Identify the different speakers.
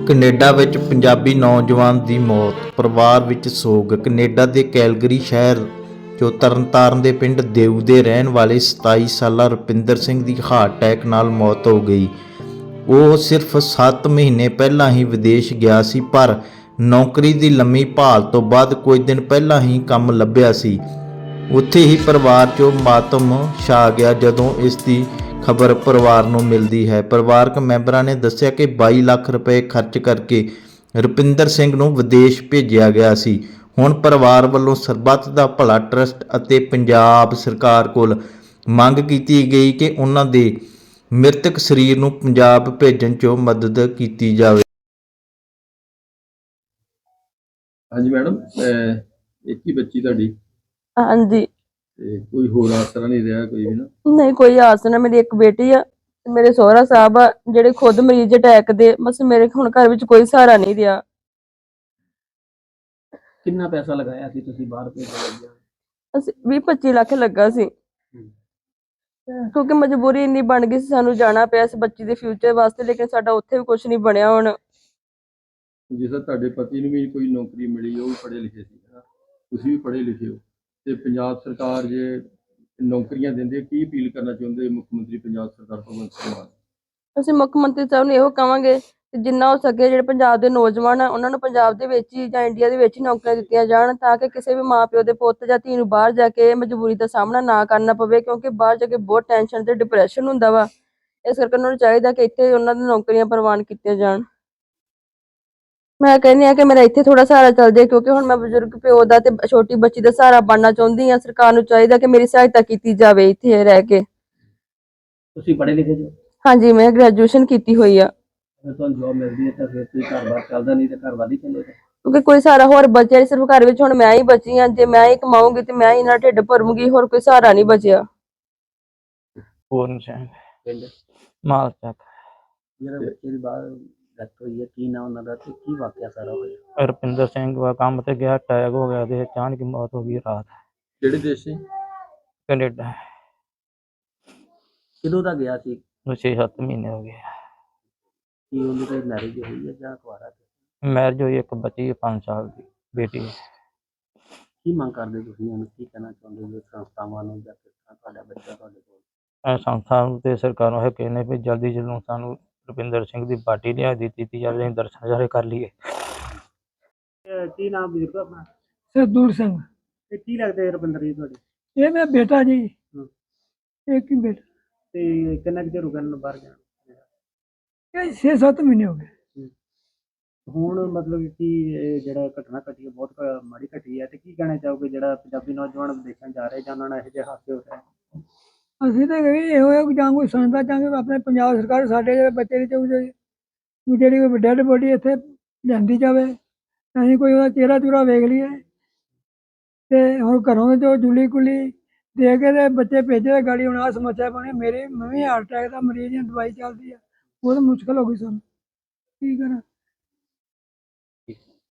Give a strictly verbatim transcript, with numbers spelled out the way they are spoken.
Speaker 1: Canada ਵਿੱਚ ਪੰਜਾਬੀ ਨੌਜਵਾਨ ਦੀ ਮੌਤ, ਪਰਿਵਾਰ ਵਿੱਚ ਸੋਗ। ਕੈਨੇਡਾ ਦੇ ਕੈਲਗਰੀ ਸ਼ਹਿਰ ਜੋ ਤਰਨਤਾਰਨ ਦੇ ਪਿੰਡ ਦੇਊ ਦੇ ਰਹਿਣ ਵਾਲੇ ਸਤਾਈ ਸਾਲਾ ਰੁਪਿੰਦਰ ਸਿੰਘ ਦੀ ਹਾਰਟ ਅਟੈਕ ਨਾਲ ਮੌਤ ਹੋ ਗਈ। ਉਹ ਸਿਰਫ ਸੱਤ ਮਹੀਨੇ ਪਹਿਲਾਂ ਹੀ ਵਿਦੇਸ਼ ਗਿਆ ਸੀ, ਪਰ ਨੌਕਰੀ ਦੀ ਲੰਮੀ ਭਾਲ ਤੋਂ ਬਾਅਦ ਕੁਝ ਦਿਨ ਪਹਿਲਾਂ ਹੀ ਕੰਮ ਲੱਭਿਆ ਸੀ। ਉੱਥੇ ਹੀ ਪਰਿਵਾਰ 'ਚੋਂ ਮਾਤਮ ਛਾ ਗਿਆ ਜਦੋਂ ਇਸ ਦੀ ਖਬਰ ਪਰਿਵਾਰ ਨੂੰ ਮਿਲਦੀ ਹੈ। ਪਰਿਵਾਰਕ ਮੈਂਬਰਾਂ ਨੇ ਦੱਸਿਆ ਕਿ ਬਾਈ ਲੱਖ ਰੁਪਏ ਖਰਚ ਕਰਕੇ ਰੁਪਿੰਦਰ ਸਿੰਘ ਨੂੰ ਵਿਦੇਸ਼ ਭੇਜਿਆ ਗਿਆ ਸੀ। ਹੁਣ ਪਰਿਵਾਰ ਵੱਲੋਂ ਸਰਬੱਤ ਦਾ ਭਲਾ ਟਰੱਸਟ ਅਤੇ ਪੰਜਾਬ ਸਰਕਾਰ ਕੋਲ ਮੰਗ ਕੀਤੀ ਗਈ ਕਿ ਉਹਨਾਂ ਦੇ ਮ੍ਰਿਤਕ ਸਰੀਰ ਨੂੰ ਪੰਜਾਬ ਭੇਜਣ 'ਚ ਮਦਦ ਕੀਤੀ ਜਾਵੇ।
Speaker 2: ਹਾਂਜੀ ਮੈਡਮ, ਇੱਕ ਹੀ ਬੱਚੀ ਤੁਹਾਡੀ?
Speaker 3: ਹਾਂਜੀ।
Speaker 2: ਤੇ ਕੋਈ ਹੋਰ ਆਸਰਾ ਨਹੀਂ ਰਿਹਾ ਕੋਈ ਵੀ ਨਾ?
Speaker 3: ਨਹੀਂ, ਕੋਈ ਆਸ ਨਾ। ਮੇਰੀ ਇੱਕ ਬੇਟੀ ਆ, ਮੇਰੇ ਸਹੁਰਾ ਸਾਹਿਬ ਆ ਜਿਹੜੇ ਖੁਦ ਮਰੀਜ਼ ਅਟੈਕ ਦੇ। ਬਸ ਮੇਰੇ ਹੁਣ ਘਰ ਵਿੱਚ ਕੋਈ ਸਹਾਰਾ ਨਹੀਂ ਰਿਹਾ।
Speaker 4: ਕਿੰਨਾ ਪੈਸਾ ਲਗਾਇਆ ਸੀ ਤੁਸੀਂ ਬਾਹਰ ਭੇਜਣ ਲੱਗਿਆ?
Speaker 3: ਅਸੀਂ ਵੀਹ ਪੱਚੀ ਲੱਖ ਲੱਗਾ ਸੀ, ਕਿਉਂਕਿ ਮਜਬੂਰੀ ਇੰਨੀ ਬਣ ਗਈ ਸੀ, ਸਾਨੂੰ ਜਾਣਾ ਪਿਆ ਇਸ ਬੱਚੀ ਦੇ ਫਿਊਚਰ ਵਾਸਤੇ। ਲੇਕਿਨ ਸਾਡਾ ਉੱਥੇ ਵੀ ਕੁਝ ਨਹੀਂ ਬਣਿਆ। ਹੁਣ
Speaker 2: ਜਿਸ ਤਰ੍ਹਾਂ ਤੁਹਾਡੇ ਪਤੀ ਨੂੰ ਵੀ ਕੋਈ ਨੌਕਰੀ ਮਿਲੀ, ਉਹ ਵੀ ਪੜ੍ਹੇ ਲਿਖੇ ਸੀ, ਹੈ ਨਾ? ਤੁਸੀਂ ਵੀ ਪੜ੍ਹੇ ਲਿਖੇ ਹੋ, ਤੇ ਪੰਜਾਬ ਸਰਕਾਰ ਜੇ ਨੌਕਰੀਆਂ ਦਿੰਦੇ, ਕੀ ਅਪੀਲ ਕਰਨਾ ਚਾਹੁੰਦੇ ਮੁੱਖ ਮੰਤਰੀ ਪੰਜਾਬ ਸਰਕਾਰ ਭਗਵੰਤ ਸਿੰਘ ਮਾਨ?
Speaker 3: ਅਸੀਂ ਮੁੱਖ ਮੰਤਰੀ ਸਾਹਿਬ ਨੂੰ ਇਹੋ ਕਹਾਂਗੇ ਕਿ ਜਿੰਨਾ ਹੋ ਸਕੇ ਜਿਹੜੇ ਪੰਜਾਬ ਦੇ ਨੌਜਵਾਨ ਆ ਉਹਨਾਂ ਨੂੰ ਪੰਜਾਬ ਦੇ ਵਿੱਚ ਹੀ ਜਾਂ ਇੰਡੀਆ ਦੇ ਵਿੱਚ ਹੀ ਨੌਕਰੀਆਂ ਦਿੱਤੀਆਂ ਜਾਣ, ਤਾਂ ਕਿ ਕਿਸੇ ਵੀ ਮਾਂ ਪਿਓ ਦੇ ਪੁੱਤ ਜਾਂ ਧੀ ਨੂੰ ਬਾਹਰ ਜਾ ਕੇ ਮਜਬੂਰੀ ਦਾ ਸਾਹਮਣਾ ਨਾ ਕਰਨਾ ਪਵੇ, ਕਿਉਂਕਿ ਬਾਹਰ ਜਾ ਕੇ ਬਹੁਤ ਟੈਨਸ਼ਨ ਤੇ ਡਿਪਰੈਸ਼ਨ ਹੁੰਦਾ ਵਾ। ਇਸ ਕਰਕੇ ਉਹਨਾਂ ਨੂੰ ਚਾਹੀਦਾ ਕਿ ਇੱਥੇ ਉਹਨਾਂ ਦੀ ਨੌਕਰੀਆਂ ਪ੍ਰਵਾਨ ਕੀਤੀਆਂ ਜਾਣ। ਮੈਂ ਕਹਿੰਦੀ ਹਾਂ ਕਿ ਮੇਰਾ ਇੱਥੇ ਥੋੜਾ ਸਹਾਰਾ ਚੱਲ ਜਾਏ, ਕਿਉਂਕਿ ਹੁਣ ਮੈਂ ਬਜ਼ੁਰਗ ਪਿਓ ਦਾ ਤੇ ਛੋਟੀ ਬੱਚੀ ਦਾ ਸਹਾਰਾ ਬਣਨਾ ਚਾਹੁੰਦੀ ਹਾਂ। ਸਰਕਾਰ ਨੂੰ ਚਾਹੀਦਾ ਕਿ ਮੇਰੀ ਸਹਾਇਤਾ ਕੀਤੀ ਜਾਵੇ ਇੱਥੇ ਰਹਿ ਕੇ।
Speaker 4: ਤੁਸੀਂ ਪੜ੍ਹੇ ਲਿਖੇ ਜੋ?
Speaker 3: ਹਾਂਜੀ, ਮੈਂ ਗ੍ਰੈਜੂਏਸ਼ਨ ਕੀਤੀ ਹੋਈ ਆ।
Speaker 4: ਅਗਰ ਤੁਹਾਨੂੰ ਜੋਬ ਮਿਲਦੀ ਹੈ ਤਾਂ ਫਿਰ ਤੁਸੀਂ ਘਰ-ਬਾਰ ਚੱਲਦਾ, ਨਹੀਂ ਤਾਂ ਘਰ ਵਾਲੀ ਚੱਲੇਗਾ।
Speaker 3: ਕਿਉਂਕਿ ਕੋਈ ਸਹਾਰਾ ਹੋਰ ਬਚਿਆ, ਸਿਰਫ ਘਰ ਵਿੱਚ ਹੁਣ ਮੈਂ ਹੀ ਬਚੀ ਹਾਂ। ਜੇ ਮੈਂ ਹੀ ਕਮਾਊਂਗੀ ਤੇ ਮੈਂ ਹੀ ਨਾਲ ਢਿੱਡ ਭਰੂੰਗੀ, ਹੋਰ ਕੋਈ ਸਹਾਰਾ ਨਹੀਂ ਬਚਿਆ।
Speaker 5: ਪੂਰਨ ਸਿੰਘ,
Speaker 4: ਪਿੰਡ
Speaker 5: ਮਾਲ ਚੱਕ।
Speaker 4: ਜਿਹੜਾ ਬੱਚੇ ਦੀ ਬਾਹਰ ਡੈਥ ਹੋਈ ਹੈ, ਕੀ ਨਾਂ ਉਹਨਾਂ ਦਾ ਤੇ ਕੀ ਵਾਕਿਆ ਸਾਰਾ ਹੋਇਆ?
Speaker 5: ਰੁਪਿੰਦਰ ਸਿੰਘ ਵਾ ਕੰਮ ਤੇ ਗਿਆ, ਅਟੈਕ ਹੋ ਗਿਆ ਤੇ ਅਚਾਨਕ ਮੌਤ ਹੋ ਗਈ ਰਾਤ।
Speaker 2: ਕਿਹੜੇ ਦੇਸ਼ ਸੀ?
Speaker 5: ਕੈਨੇਡਾ।
Speaker 4: ਕਿਦੋਂ ਦਾ ਗਿਆ ਸੀ?
Speaker 5: ਛੇ ਸੱਤ ਮਹੀਨੇ ਹੋ ਗਏ।
Speaker 4: ਕੀ ਉਹਦੀ ਕੋਈ ਮੈਰਿਜ ਹੋਈ ਹੈ ਜਾਂ ਕੁਆਰਾ?
Speaker 5: ਮੈਰਿਜ ਹੋਈ, ਇੱਕ ਬੱਚੀ ਪੰਜ ਸਾਲ ਦੀ ਬੇਟੀ।
Speaker 4: ਕੀ ਮੰਗ ਕਰਦੇ ਤੁਸੀਂ ਉਹਨੂੰ, ਕੀ ਕਹਿਣਾ ਚਾਹੁੰਦੇ ਹੋ ਸੰਸਥਾਵਾਂ ਨੂੰ ਜਾਂ ਕਿਸ ਤਰ੍ਹਾਂ ਤੁਹਾਡਾ ਬੱਚਾ ਤੁਹਾਡੇ ਕੋਲ?
Speaker 5: ਸੰਸਥਾ ਨੂੰ ਤੇ ਸਰਕਾਰ ਨੂੰ ਇਹ ਕਹਿੰਦੇ ਵੀ ਜਲਦੀ ਜਲਦੀ ਸਾਨੂੰ ਰੁਪਿੰਦਰ ਸਿੰਘ ਦੀ ਪਾਰਟੀ ਲਿਆ ਦਿੱਤੀ ਜਾਵੇ, ਅਸੀਂ ਦਰਸ਼ਨ ਸਾਰੇ ਕਰ ਲਈਏ।
Speaker 4: ਕੀ ਨਾਮ ਬਜ਼ੁਰਗ ਆਪਣਾ?
Speaker 6: ਸਰਦੂਲ ਸਿੰਘ।
Speaker 4: ਤੇ ਕੀ ਲੱਗਦੇ ਰੁਪਿੰਦਰ ਜੀ ਤੁਹਾਡੇ?
Speaker 6: ਇਹ ਮੇਰਾ ਬੇਟਾ ਜੀ, ਇੱਕ ਹੀ ਬੇਟਾ।
Speaker 4: ਤੇ ਕਿੰਨਾ ਕੁ ਚਿਰ ਹੋ ਗਿਆ ਇਹਨਾਂ ਨੂੰ ਬਾਹਰ ਜਾਣ?
Speaker 6: ਇਹ ਛੇ ਸੱਤ ਮਹੀਨੇ ਹੋ ਗਏ।
Speaker 4: ਹੁਣ ਮਤਲਬ ਕਿ ਇਹ ਜਿਹੜਾ ਘਟਨਾ ਘਟੀ ਹੈ ਬਹੁਤ ਕ- ਮਾੜੀ ਘਟੀ ਹੈ, ਤੇ ਕੀ ਕਹਿਣਾ ਚਾਹੋਗੇ ਜਿਹੜਾ ਪੰਜਾਬੀ ਨੌਜਵਾਨ ਵਿਦੇਸ਼ਾਂ ਜਾ ਰਹੇ ਜਾਂ ਉਹਨਾਂ ਨਾਲ ਇਹੋ ਜਿਹੇ ਹਾਦਸੇ ਹੋ ਰਹੇ?
Speaker 6: ਅਸੀਂ ਤਾਂ ਕਹੀ ਇਹੋ ਹੈ ਕਿ ਜਾਂ ਕੋਈ ਸੰਸਥਾ ਚਾਹਾਂਗੇ ਆਪਣੇ ਪੰਜਾਬ ਸਰਕਾਰ ਸਾਡੇ ਜਿਹੜੇ ਬੱਚੇ ਦੀ ਚਾਹੀਦੀ ਜਿਹੜੀ ਕੋਈ ਡੈਡ ਬੋਡੀ ਇੱਥੇ ਲਿਆਂਦੀ ਜਾਵੇ, ਅਸੀਂ ਕੋਈ ਉਹਦਾ ਚਿਹਰਾ ਚੁਹਰਾ ਵੇਖ ਲਈਏ। ਤੇ ਹੁਣ ਘਰੋਂ ਜੋ ਜੁਲੀ ਕੁਲੀ ਦੇ ਕੇ ਤੇ ਬੱਚੇ ਭੇਜੇ ਤੇ ਗਾੜੀ ਹੁਣ ਆਹ ਸਮੱਸਿਆ ਬਣੀ। ਮੇਰੀ ਮੈਂ ਵੀ ਹਾਰਟ ਅਟੈਕ ਦਾ ਮਰੀਜ਼ ਹਾਂ, ਦਵਾਈ ਚੱਲਦੀ ਆ, ਬਹੁਤ ਮੁਸ਼ਕਿਲ ਹੋ ਗਈ ਸਾਨੂੰ, ਕੀ ਕਰਾਂ।